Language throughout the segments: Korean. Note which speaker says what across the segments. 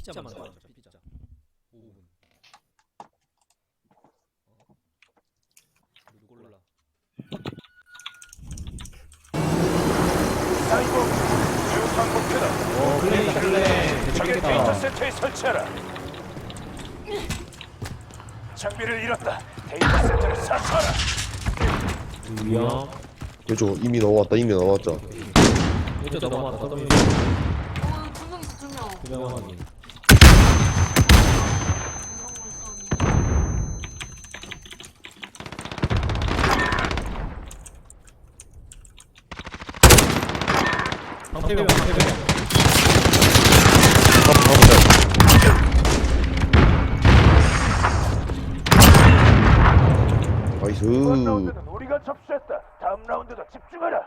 Speaker 1: 피자만 가자. 피자. 5분. 누구 골라?
Speaker 2: 사이버 유탄 목표다.
Speaker 1: 플레이.
Speaker 2: 적의 데이터 센터에 설치하라. 장비를 잃었다. 데이터 센터를 사수하라.
Speaker 1: 위험.
Speaker 3: 그죠 이미 넘어왔다 이미 넘어왔죠.
Speaker 1: 이쪽 넘어왔다.
Speaker 4: 두 명 있어, 두 명.
Speaker 1: 두명 확인. 방패병.
Speaker 3: 나이스.
Speaker 2: 이번 라운드는 우리가 접수했다. 다음 라운드도 집중하라.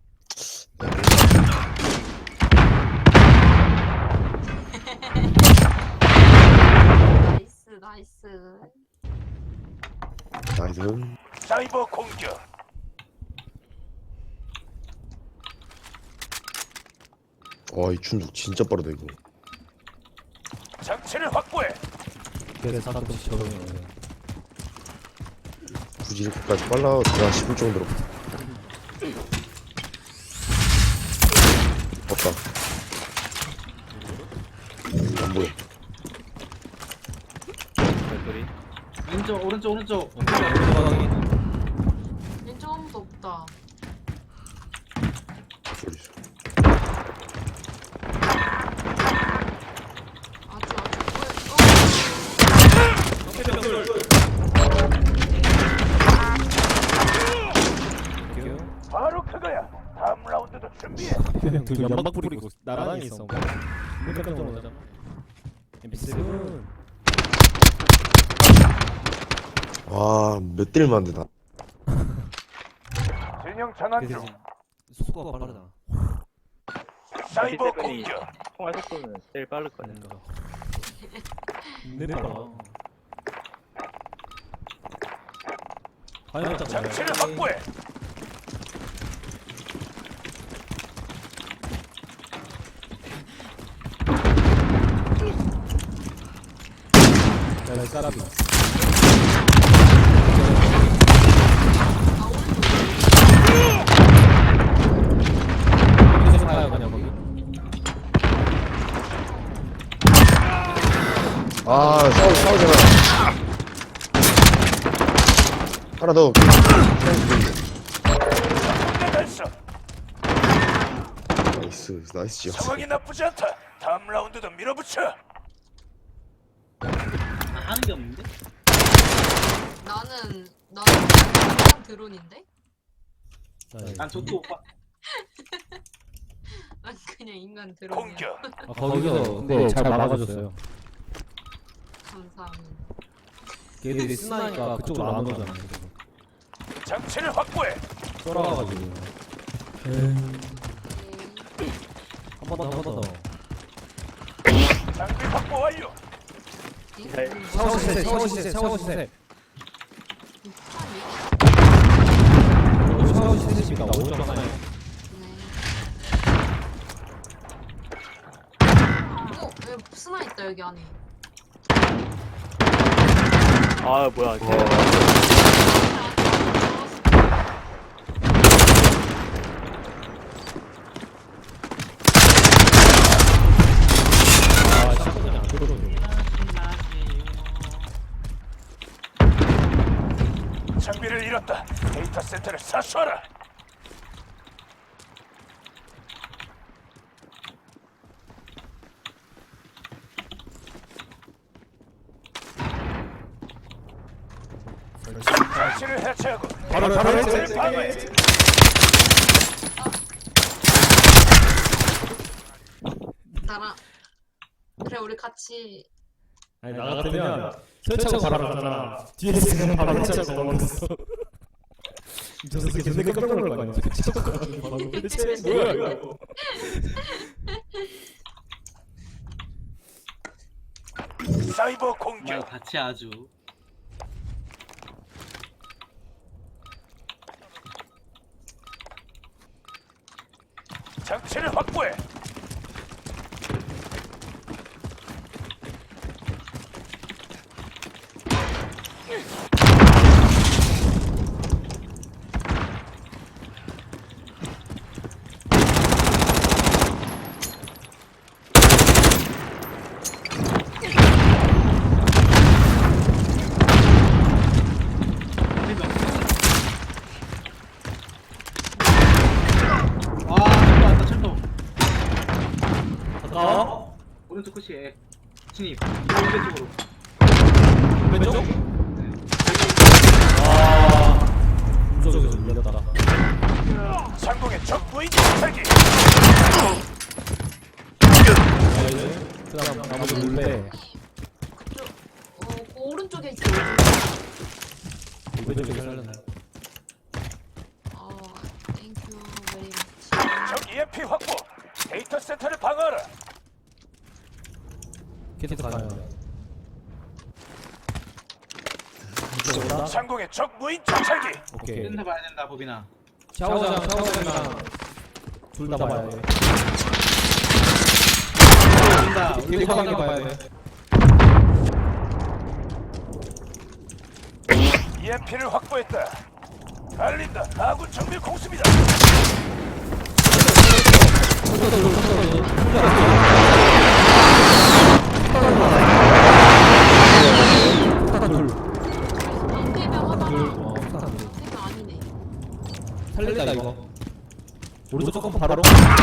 Speaker 4: 나이스, 나이스.
Speaker 3: 나이스.
Speaker 2: 사이버 공격.
Speaker 3: 와이 춘둑 진짜 빠르다 이거.
Speaker 2: 장치를 확보해.
Speaker 1: 그래서 가끔씩 적응해.
Speaker 3: 굳이 이렇게까지 빨라지나 싶을 정도로. 없다. 안 보여.
Speaker 1: 별거리.
Speaker 5: 왼쪽 오른쪽
Speaker 4: 왼쪽 아무도 없다.
Speaker 3: 소리.
Speaker 4: 아주
Speaker 2: 바로 그거야. 다음 라운드도 준비해.
Speaker 1: 둘 연막 뿌리고 나란히 있어. 깜짝 놀라잖아. MP7.
Speaker 3: 와몇 딜만 안 되나.
Speaker 2: 진영 전환 중.
Speaker 1: 속도가 빠르다.
Speaker 2: 사이버 공격.
Speaker 6: 통화 속도는 제일 빠를 거야.
Speaker 1: 내려봐. 과연
Speaker 2: 장치를 확보해.
Speaker 1: 야, 까라비. 계속 가요, 그냥 거기.
Speaker 3: 아 싸우잖아. 하나 더.
Speaker 2: 달성.
Speaker 3: 나이스 나이스 지역.
Speaker 2: 상황이 나쁘지 않다. 다음 라운드도 밀어붙여.
Speaker 5: 하는 게 없는데?
Speaker 4: 나는 그냥 드론인데?
Speaker 5: 난 저도 오빠
Speaker 4: 난 그냥 인간 드론이야.
Speaker 2: 공격.
Speaker 1: 거기서 근데 잘 막아줬어요.
Speaker 4: 감사합니다.
Speaker 1: 걔들이 쓰나니까 그쪽으로 안 오잖아.
Speaker 2: 장치를 확보해.
Speaker 1: 쫄아가지고. 한 번 더.
Speaker 2: 장비 확보 완료.
Speaker 1: 샤워 시세. 샤워 시세입니다. 오른쪽 하나에.
Speaker 4: 왜 스나 있다 여기 안에.
Speaker 6: 아 뭐야?
Speaker 2: 장비를 잃었다. 데이터 센터를 사수하라. 장치를 해체하고
Speaker 1: 바로
Speaker 2: 장치를 방어해.
Speaker 4: 나랑 그래 우리 같이.
Speaker 1: 아니 나 같으면 설치하고 바로 가잖아. 뒤에 있으면 바로 설치하고 넘어갔어. 저 새끼 깜짝 놀랄 거 아니야. 설치하고 가가지고 바로 뭐야 이거.
Speaker 2: 사이버 공격.
Speaker 5: 같이 아주
Speaker 2: 장치를 확보해.
Speaker 5: 왔다 철도.
Speaker 1: 가까워?
Speaker 5: 오른쪽 끝이에 진입. 오른쪽으로.
Speaker 1: 왼쪽? 아, 무적에서 밀렸다.
Speaker 2: 상공의 적 무인 정찰기.
Speaker 1: 그다음 나머지 몰래
Speaker 4: 그쪽 그 오른쪽에 있어.
Speaker 1: 왼쪽에 살렸네.
Speaker 4: 땡큐 베리 머치.
Speaker 2: 적 EMP 확보. 데이터 센터를 방어하라.
Speaker 1: 캐트 가요. 이쪽으로
Speaker 2: 상공의 적 무인 정찰기.
Speaker 1: 오케이.
Speaker 5: 센터 봐야 된다 보빈아.
Speaker 1: 샤워장이랑 둘 다 봐야 돼.
Speaker 5: 된다.
Speaker 1: 되게 강하게 봐야 돼.
Speaker 2: EMP를 확보했다. 달린다. 아군 정밀 공습이다.
Speaker 4: 방패병 하다가
Speaker 1: 둘.
Speaker 4: 방패병 아니네.
Speaker 1: 살린다 이거. 오른쪽 조금 바로.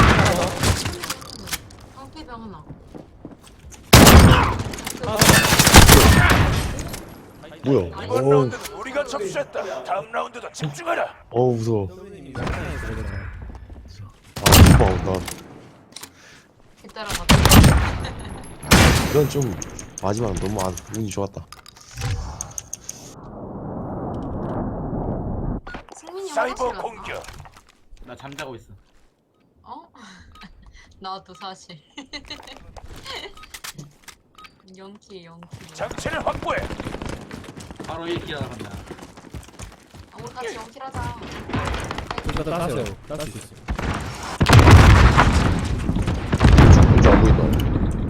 Speaker 4: 방패병 하나.
Speaker 3: 뭐야?
Speaker 2: 이번 라운드는 우리가 접수했다. 다음 라운드도 집중하라.
Speaker 3: 무서워. 나
Speaker 4: 뒤따라가.
Speaker 3: 이건 좀 마지막 너무 운이 좋았다.
Speaker 4: 승민이
Speaker 2: 사이버
Speaker 4: 화장실
Speaker 2: 공격.
Speaker 4: 갔나?
Speaker 5: 나 잠자고 있어.
Speaker 4: 어? 나도 사실. 영키에 영키.
Speaker 2: 장치를 확보해.
Speaker 5: 바로 1킬 나간다.
Speaker 4: 우리 같이 영키하자.
Speaker 1: 둘 다 땄어요. 딸 수 있어.
Speaker 3: 왼쪽 안 보인다.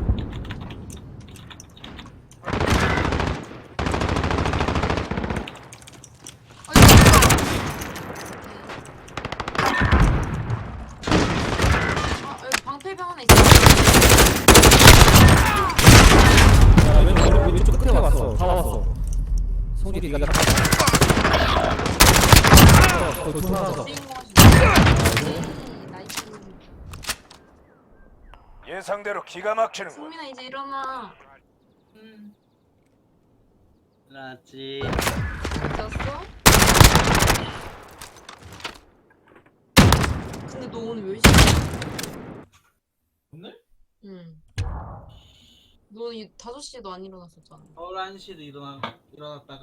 Speaker 4: 여기 방패병 하나 있어.
Speaker 1: 야, 왼쪽 끝에 왔어. 다 왔어. 성질이 네가 다. 둘 하나.
Speaker 4: 주인공 하시네. 나이스.
Speaker 2: 예상대로 기가 막히는군.
Speaker 4: 승민아 이제 일어나.
Speaker 5: 나지.
Speaker 4: 잤어? 근데 너 오늘 몇 시야?
Speaker 5: 오늘?
Speaker 4: 응. 너 5시에도 안 일어났었잖아.
Speaker 5: 11시도 일어났다가